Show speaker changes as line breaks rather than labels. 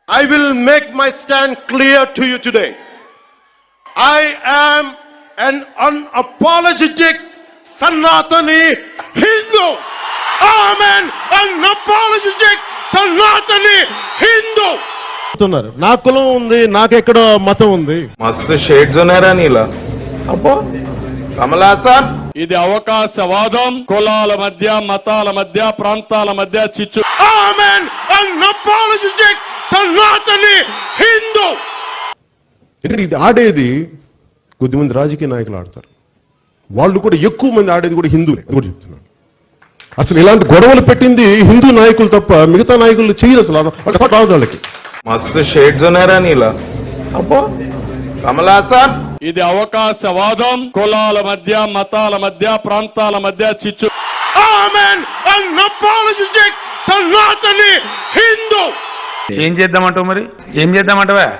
I will make my stand clear to you today. I am an unapologetic Sanatani Hindu. I am an unapologetic Sanatani Hindu.
నా కులం ఉంది, నాకెక్కడో మతం ఉంది.
మస్తు shades ఉన్నారా నీలా? అబ్బో కమలాసన్,
ఇది అవకాశవాదం, కులాల మధ్య, మతాల మధ్య, ప్రాంతాల మధ్య చిచ్చు.
I am an unapologetic Sanatani Hindu.
ఇది ఆడేది కొద్దిమంది రాజకీయ నాయకులు ఆడతారు, వాళ్ళు కూడా ఎక్కువ మంది ఆడేది కూడా హిందువులే కూడా చెప్తున్నాను. అసలు ఇలాంటి గొడవలు పెట్టింది హిందూ నాయకులు తప్ప మిగతా నాయకులు చేయరు. అసలు రాదు వాళ్ళకి.
మస్తు షేడ్స్ ఉన్నారా నీలా? అబ్బో కమలాసన్,
ఇది అవకాశవాదం, కులాల మధ్య, మతాల మధ్య, ప్రాంతాల మధ్య చిచ్చు.
I am an unapologetic Sanatani Hindu.
ఏం చేద్దామంటావు మరి? ఏం చేద్దామంటావా?